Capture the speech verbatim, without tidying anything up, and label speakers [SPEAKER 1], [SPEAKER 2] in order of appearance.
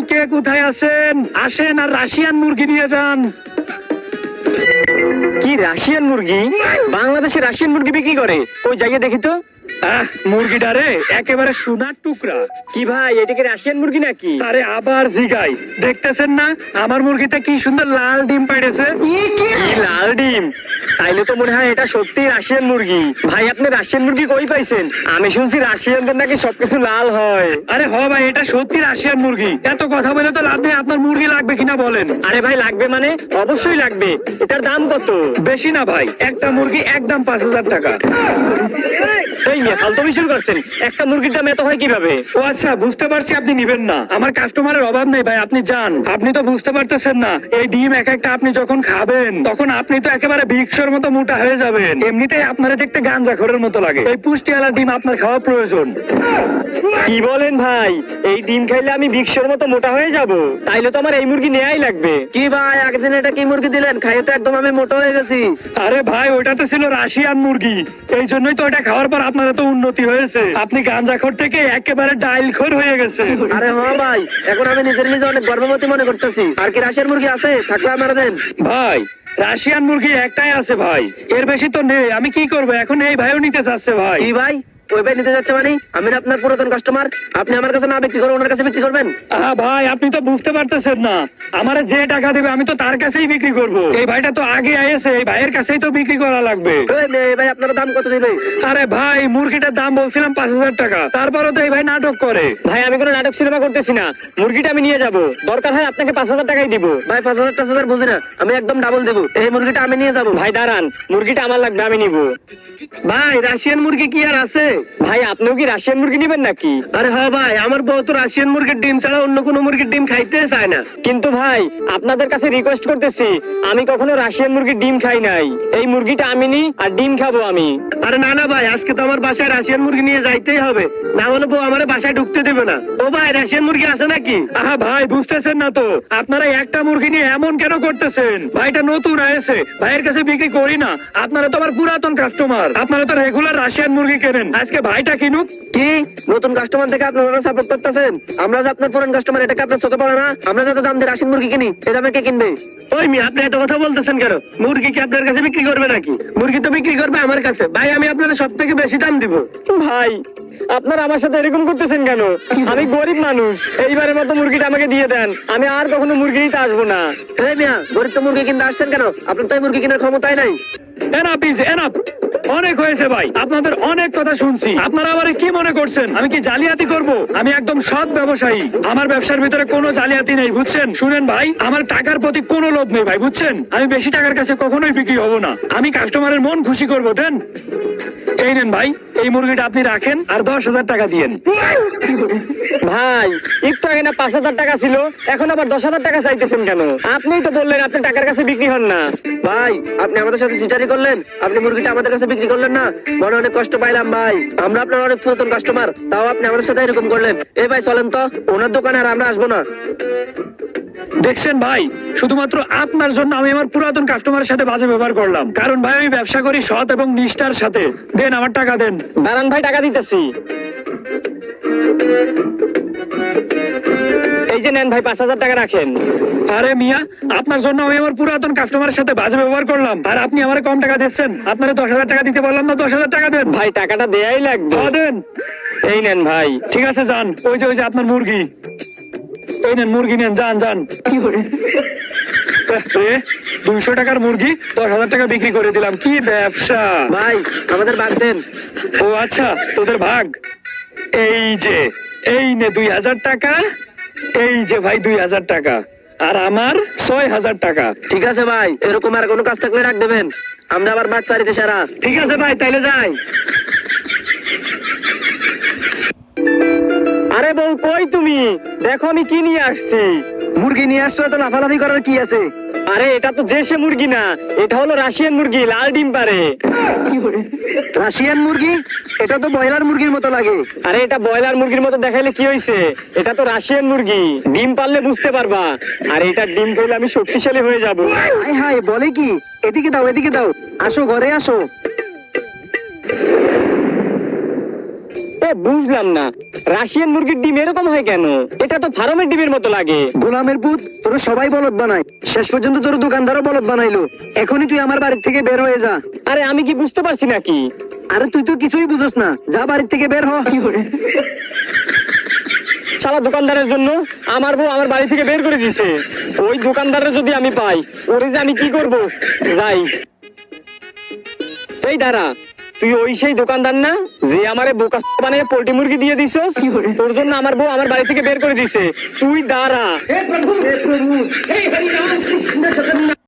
[SPEAKER 1] কে কোথায় আছেন? আসেন আর রাশিয়ান মুরগি নিয়ে যান।
[SPEAKER 2] কি রাশিয়ান মুরগি? বাংলাদেশে রাশিয়ান মুরগি বিক্রি করে? ওই জায়গায় দেখি তো।
[SPEAKER 1] আহ, মুরগিটা রে একেবারে সোনার টুকরা।
[SPEAKER 2] কি ভাই, এটা কি রাশিয়ান মুরগি নাকি?
[SPEAKER 1] আরে আবার জিগাই, দেখতেছেন না আমার মুরগিতে কি সুন্দর লাল ডিম পাইতেছে।
[SPEAKER 2] কি লাল ডিম? তাইলে তো মনে হয় এটা সত্যি রাশিয়ান মুরগি। ভাই, আপনি রাশিয়ান মুরগি কই পাইছেন? আমি শুনছি রাশিয়ানদের নাকি সবকিছু লাল হয়।
[SPEAKER 1] আরে হ ভাই, এটা সত্যি রাশিয়ান মুরগি। এত কথা বলে তো লাভ নেই, আপনার মুরগি লাগবে কিনা বলেন।
[SPEAKER 2] আরে ভাই, লাগবে মানে অবশ্যই লাগবে। এটার দাম কত?
[SPEAKER 1] বেশি না ভাই, একটা মুরগি একদম পাঁচ হাজার টাকা।
[SPEAKER 2] এই নিয়ে ফালতুমি শুরু করছেন। একটা মুরগির দাম এত হয় কিভাবে?
[SPEAKER 1] ও আচ্ছা, বুঝতে পারছি আপনি নিবেন না। আমার কাস্টমারের অভাব নেই ভাই, আপনি যান। আপনি তো বুঝতে পারতেছেন না, এই ডিম এক একটা আপনি যখন খাবেন তখন আপনি তো একেবারে ভিক্ষর মতো মোটা হয়ে যাবেন। এমনিতেই আপনারা দেখতে গাঞ্জাখোরের মতো লাগে। এই পুষ্টিওয়ালা ডিম আপনার খাওয়া প্রয়োজন।
[SPEAKER 2] কি বলেন ভাই? এই ডিম খাইলে আমি ভিক্ষর মতো মোটা হয়ে যাব? তাইলে তো আমার এই মুরগি নেয়াই লাগবে।
[SPEAKER 3] কি ভাই, একদিন এটা কি মুরগি দিলেন? খাইয়ে তো একদম আমি মোটা হয়ে গেছি।
[SPEAKER 1] আরে ভাই, ওটা তো ছিল রাশিয়ান মুরগি, এই জন্যই তো ওটা খাওয়ার পর আপনার এত উন্নতি হয়েছে। আপনি গাঞ্জাখোর থেকে একেবারে ডাইলখোর হয়ে গেছে।
[SPEAKER 3] আরে হ্যাঁ ভাই, এখন আমি নিজের নিজে অনেক গর্ভবতী মনে করতেছি। আর কি রাশিয়ান মুরগি আছে? থাকলে আমার দেন
[SPEAKER 1] ভাই, রাশিয়ান মুরগি একটাই আছে ভাই, এর বেশি তো নেই। আমি কি করবো এখন? এই ভাইও নিতে চাচ্ছে ভাই।
[SPEAKER 3] কি ভাই, ওই ভাই নিতে যাচ্ছে মানে? আমি না আপনার পুরাতন কাস্টমার, আপনি আমার কাছে না বিক্রি করে ওনার কাছে বিক্রি করবেন?
[SPEAKER 1] আহা ভাই, আপনি তো বুঝতে পারতেছেন না, আমারে যে টাকা দেবে আমি তো তার কাছেই বিক্রি করব। এই ভাইটা তো আগে আইছে, এই ভাইয়ের কাছেই তো বিক্রি করা লাগবে।
[SPEAKER 3] ওই মেয়ে ভাই, আপনার দাম কত দিবে?
[SPEAKER 1] আরে ভাই, মুরগিটার দাম বলছিলাম পাঁচ হাজার টাকা, তারপরে তো এই ভাই নাটক করে।
[SPEAKER 2] ভাই, আমি কোনো নাটক সিনেমা করতেছি না। মুরগিটা আমি নিয়ে যাব, দরকার হয় আপনাকে পাঁচ হাজার টাকাই দিব।
[SPEAKER 3] ভাই পাঁচ হাজার টাচ হাজার বুঝি না, আমি একদম ডাবল দেবো। এই মুরগিটা আমি নিয়ে যাবো।
[SPEAKER 2] ভাই দাঁড়ান, মুরগিটা আমার লাগবে, আমি নিব।
[SPEAKER 3] ভাই, রাশিয়ান মুরগি কি আর আছে?
[SPEAKER 2] ভাই, আপনিও কি রাশিয়ান মুরগি নিবেন নাকি?
[SPEAKER 3] আরে হ্যাঁ ভাই, আমার বউ তো রাশিয়ান মুরগির ডিম ছাড়া অন্য কোনো মুরগির ডিম খাইতে চায় না।
[SPEAKER 2] কিন্তু ভাই, আপনাদের কাছে রিকোয়েস্ট করতেছি, আমি কখনো রাশিয়ান মুরগির ডিম খাই নাই। এই মুরগিটা আমি নি আর ডিম খাবো আমি।
[SPEAKER 3] আরে না না ভাই, আজকে তো আমার বাসায় রাশিয়ান মুরগি নিয়ে যাইতেই হবে, না হলে বউ আমার বাসায় ঢুকতে দেবে না। ও ভাই, রাশিয়ান মুরগি আছে নাকি?
[SPEAKER 1] আহা ভাই, বুঝতেছেন না তো, আপনারা একটা মুরগি নিয়ে এমন কেন করতেছেন? ভাইটা নতুন আয়েছে, ভাইয়ের কাছে বিক্রি করি না। আপনারা তো আমার পুরাতন কাস্টমার, আপনারা তো রেগুলার রাশিয়ান মুরগি কেনেন, আজকে ভাইটা কিনুক।
[SPEAKER 3] কি নতুন কাস্টমার থেকে আপনারা সাপোর্ট করতেছেন? আমরা যে আপনার পুরান কাস্টমার, এটা কি আপনার চোখে পড়ে না? আমরা যত দাম দিয়ে রাশিয়ান মুরগি কিনি, এই দামে কে কিনবে? ওই মি, আপনি এত কথা বলতেছেন কেন? মুরগি কি আপনার কাছে বিক্রি করবে নাকি? মুরগি তো বিক্রি করবে আমার কাছে। ভাই, আমি আপনার সব থেকে বেশি দাম দিব।
[SPEAKER 2] ভাই, আপনারা আমার সাথে এরকম করতেছেন কেন? আমি গরিব মানুষ, এইবারের মতো মুরগিটা আমাকে দিয়ে দেন, আমি আর কখনো মুরগি নিতে আসবো না।
[SPEAKER 3] এই মিয়া, গরিব তো মুরগি কিনতে আসছেন কেন? আপনার তো এই মুরগি কেনার ক্ষমতাই নাই।
[SPEAKER 1] এনাফ ইজ এনাফ, অনেক হয়েছে ভাই, আপনাদের অনেক কথা শুনছি। আপনারা আবার কি মনে করছেন আমি কি জালিয়াতি করব? আমি একদম সৎ ব্যবসায়ী, আমার ব্যবসার ভিতরে কোনো জালিয়াতি নেই, বুঝছেন? শুনেন ভাই, আমার টাকার প্রতি কোনো লোভ নেই ভাই, বুঝছেন? আমি বেশি টাকার কাছে কখনোই বিক্রি হব না, আমি কাস্টমারের মন খুশি করবো। দেন, এই নেন ভাই, এই মুরগিটা আপনি রাখেন আর দশ হাজার টাকা দিয়েন।
[SPEAKER 2] ভাই, একটু আগে না পাঁচ হাজার টাকা ছিল, এখন আবার দশ হাজার টাকা চাইতেছেন কেন? আপনিই তো বললেন আপনি টাকার কাছে বিক্রি হন না।
[SPEAKER 3] ভাই, আপনি আমাদের সাথে চিটারি করলেন, আপনি মুরগিটা আমাদের কাছে বিক্রি করলেন না, মনে অনেক কষ্ট পাইলাম ভাই। আমরা আপনার অনেক পুরাতন কাস্টমার, তাও আপনি আমাদের সাথে এরকম করলেন। এই ভাই চলেন তো, ওনার দোকানে আর আমরা আসবো না।
[SPEAKER 1] দেখছেন ভাই, শুধুমাত্র আপনার জন্য আমি আমার পুরাতন কাস্টমারের সাথে বাজে ব্যবহার করলাম, কারণ ভাই আমি ব্যবসা করি সৎ এবং নিষ্ঠার সাথে। দেন, আমার টাকা দেন।
[SPEAKER 2] দাঁড়ান ভাই, টাকা দিতেছি। এই যে নেন ভাই, পাঁচ হাজার টাকা রাখেন।
[SPEAKER 1] আরে মিয়া, আপনার জন্য আমি আমার পুরাতন কাস্টমারের সাথে বাজে ব্যবহার করলাম, আর আপনি আমার কম টাকা দিচ্ছেন? আপনারা দশ হাজার টাকা দিতে বললাম না? দশ হাজার টাকা দেন
[SPEAKER 2] ভাই, টাকাটা দেয়াই লাগবে।
[SPEAKER 1] হ্যাঁ, দেন।
[SPEAKER 2] এই নেন ভাই।
[SPEAKER 1] ঠিক আছে, যান। ওই যে ওই যে আপনার মুরগি, এই নেন মুরগি নেন, যান যান। দুইশো টাকার মুরগি দশ হাজার টাকা বিক্রি করে দিলাম, কি ব্যবসা!
[SPEAKER 3] ভাই, আমাদের বাদ দেন।
[SPEAKER 1] ও আচ্ছা, তোদের ভাগ। এই যে, এই নে দুই হাজার টাকা, এই যে ভাই দুই হাজার টাকা, আর আমার ছয় হাজার টাকা।
[SPEAKER 3] ঠিক আছে ভাই, এরকম আর কোনো কাজ থাকলে ডাক দেবেন, আমরা আবার বাট পারিতে সারা। ঠিক আছে ভাই, তাইলে যাই।
[SPEAKER 2] আরে বউ, কই তুমি? দেখো আমি কি নিয়ে আসছি।
[SPEAKER 3] মুরগি নিয়ে আসছো, এত লাফালাফি করার কি আছে?
[SPEAKER 2] আরে এটা তো দেশি মুরগি না, এটা হলো রাশিয়ান মুরগি, লাল ডিম পারে।
[SPEAKER 3] রাশিয়ান মুরগি? এটা তো ব্রয়লার মুরগির মতো লাগে।
[SPEAKER 2] আরে এটা ব্রয়লার মুরগির মতো দেখাইলে কি হয়েছে? এটা তো রাশিয়ান মুরগি, ডিম পারলে বুঝতে পারবা। আর এটা ডিম খেলে আমি শক্তিশালী হয়ে যাব।
[SPEAKER 3] হাই হাই, বলে কি? এদিকে দাও, এদিকে দাও, আসো ঘরে আসো।
[SPEAKER 2] এ বুঝলাম না, রাশিয়ান মুরগির ডিম এরকম হয় কেন? এটা তো ফার্মের ডিমের মতো লাগে।
[SPEAKER 3] গোলামের পুত, তোর সবাই বলদ বানায়, শেষ পর্যন্ত তোর দোকানদারও বলদ বানাইলো। এখনই তুই আমার বাড়ি থেকে বের হয়ে যা।
[SPEAKER 2] আরে আমি কি বুঝতে পারছি নাকি?
[SPEAKER 3] আরে তুই তো কিছুই বুঝোস না, যা বাড়ি থেকে বের হ।
[SPEAKER 2] শালা দোকানদারের জন্য আমার বউ আমার বাড়ি থেকে বের করে দিছে। ওই দোকানদারের যদি আমি পাই, ওরে যে আমি কি করব। যাই। এই দাঁড়া, তুই ওই সেই দোকানদার না যে আমারে বোকা বানিয়ে পোল্ট্রি মুরগি দিয়ে দিছস? তোর জন্য আমার বউ আমার বাড়ি থেকে বের করে দিছে। তুই দাঁড়া।